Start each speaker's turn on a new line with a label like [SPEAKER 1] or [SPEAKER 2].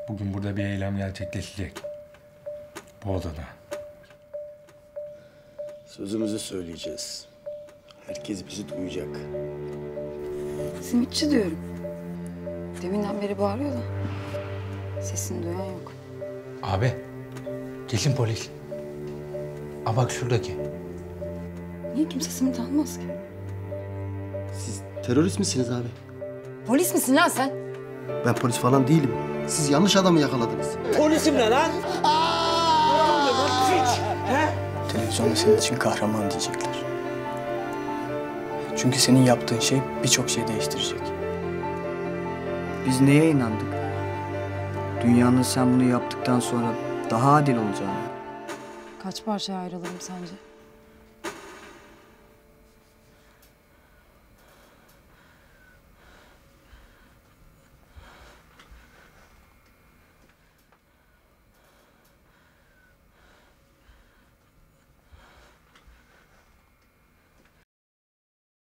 [SPEAKER 1] Bugün burada bir eylem gerçekleşecek. Bu odada.
[SPEAKER 2] Sözümüzü söyleyeceğiz. Herkes bizi duyacak.
[SPEAKER 3] Simitçi diyorum. Deminden beri bağırıyor da sesini duyan yok.
[SPEAKER 4] Abi, kesin polis. Aa bak şuradaki.
[SPEAKER 3] Niye kimse simit almaz ki?
[SPEAKER 2] Siz terörist misiniz abi?
[SPEAKER 3] Polis misin lan sen?
[SPEAKER 2] Ben polis falan değilim. Siz yanlış adamı yakaladınız.
[SPEAKER 5] Polisim ne lan?
[SPEAKER 6] Televizyonda senin için kahraman diyecekler. Çünkü senin yaptığın şey birçok şey değiştirecek. Biz neye inandık? Dünyanın sen bunu yaptıktan sonra daha adil olacağını.
[SPEAKER 3] Kaç parçaya ayrılırım sence?